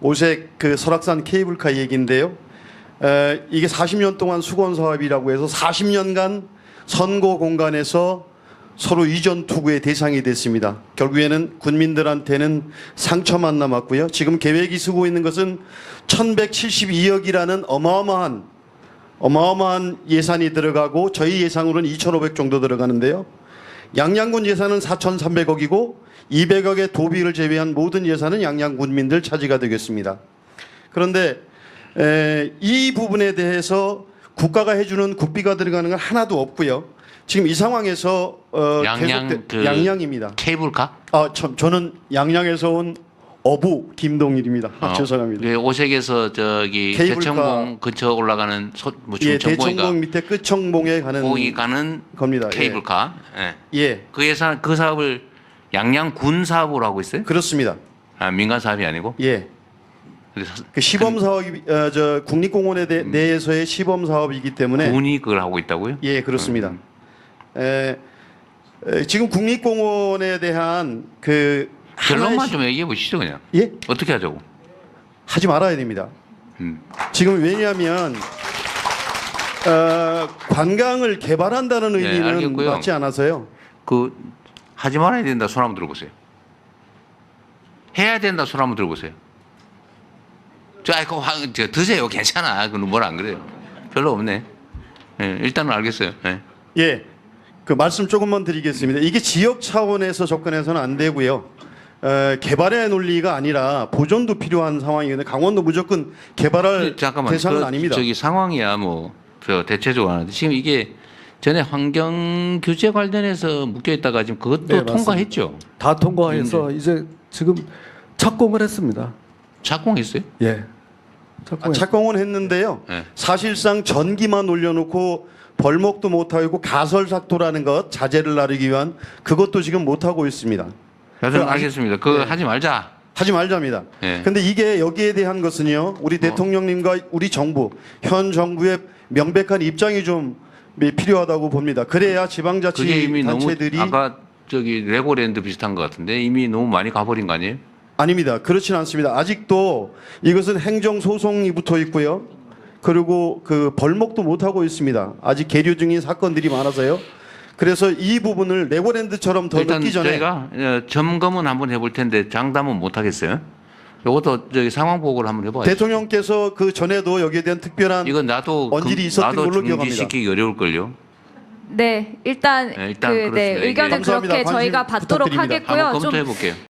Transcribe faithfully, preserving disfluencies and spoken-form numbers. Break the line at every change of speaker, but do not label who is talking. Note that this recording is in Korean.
오색 그 설악산 케이블카 얘기인데요. 에, 이게 사십 년 동안 수건 사업이라고 해서 사십 년간 선거 공간에서 서로 이전 투구의 대상이 됐습니다. 결국에는 군민들한테는 상처만 남았고요. 지금 계획이 쓰고 있는 것은 천백칠십이억이라는 어마어마한 어마어마한 예산이 들어가고 저희 예상으로는 이천오백 정도 들어가는데요. 양양군 예산은 사천삼백억이고 이백억의 도비를 제외한 모든 예산은 양양 군민들 차지가 되겠습니다. 그런데 에, 이 부분에 대해서 국가가 해주는 국비가 들어가는 건 하나도 없고요. 지금 이 상황에서 어,
양양
계속
그
양양입니다.
케이블카?
아, 저, 저는 양양에서 온 어부 김동일입니다. 아,
어,
죄송합니다.
예, 오색에서 저기
케이블카.
대청봉 근처 올라가는 소, 뭐
예,
정보이가
대청봉 밑에 끝청봉에 가는
거기 가는
겁니다.
케이블카. 예.
예. 예,
그 예산 그 사업을 양양군 사업으로 하고 있어요?
그렇습니다.
아, 민간 사업이 아니고?
예.
그래서
그 시범 사업이 어, 저 국립공원에 대, 내에서의 시범 사업이기 때문에
군이 그걸 하고 있다고요?
예, 그렇습니다.
음.
에, 에, 지금 국립공원에 대한 그
결론만
하나의
좀 얘기해 보시죠 그냥.
시- 예?
어떻게 하자고?
하지 말아야 됩니다.
음.
지금 왜냐하면 어, 관광을 개발한다는
네,
의미는
알겠고요.
맞지 않아서요.
그 하지 말아야 된다 손 한번 들어보세요. 해야 된다 손 한번 들어보세요. 저 아이고 화- 저 드세요 괜찮아. 그건 뭘 안 그래요. 별로 없네. 예, 일단은 알겠어요. 예.
예, 그 말씀 조금만 드리겠습니다. 이게 지역 차원에서 접근해서는 안 되고요. 어, 개발의 논리가 아니라 보존도 필요한 상황이거든요. 강원도 무조건 개발할
잠깐만.
대상은
그,
아닙니다.
저기 상황이야 뭐 저 대체적으로 하는데 지금 이게 전에 환경 규제 관련해서 묶여 있다가 지금 그것도
네, 맞습니다.
통과했죠.
다 통과해서 이제 지금 착공을 했습니다.
착공했어요?
예.
아,
착공했.
착공은 했는데요.
네.
사실상 전기만 올려놓고 벌목도 못하고 가설삭도라는 것 자재를 나르기 위한 그것도 지금 못하고 있습니다.
여튼
그 아직-
알겠습니다. 그거
네.
하지 말자.
하지 말자입니다.
예.
근데 이게 여기에 대한 것은요. 우리 대통령님과 우리 정부, 현 정부의 명백한 입장이 좀 필요하다고 봅니다. 그래야
그게 이미
지방자치단체들이
너무 아까 저기 레고랜드 비슷한 것 같은데 이미 너무 많이 가버린 거 아니에요?
아닙니다. 그렇지는 않습니다. 아직도 이것은 행정 소송이 붙어 있고요. 그리고 그 벌목도 못 하고 있습니다. 아직 계류 중인 사건들이 많아서요. 그래서 이 부분을 레고랜드처럼 더
일단
늦기 전에
저희가 어, 점검은 한번 해볼 텐데 장담은 못 하겠어요. 이것도 저기 상황 보고를 한번 해봐야죠.
대통령께서 그 전에도 여기에 대한 특별한
이건 나도
언질이
금-
있었던
나도
걸로 기억합니다.
중지시키기 어려울 걸요.
네, 일단,
네, 일단
그, 네,
그렇습니다.
의견은
감사합니다.
그렇게
관심
저희가 받도록
부탁드립니다.
하겠고요.
한번
좀
검토해 볼게요.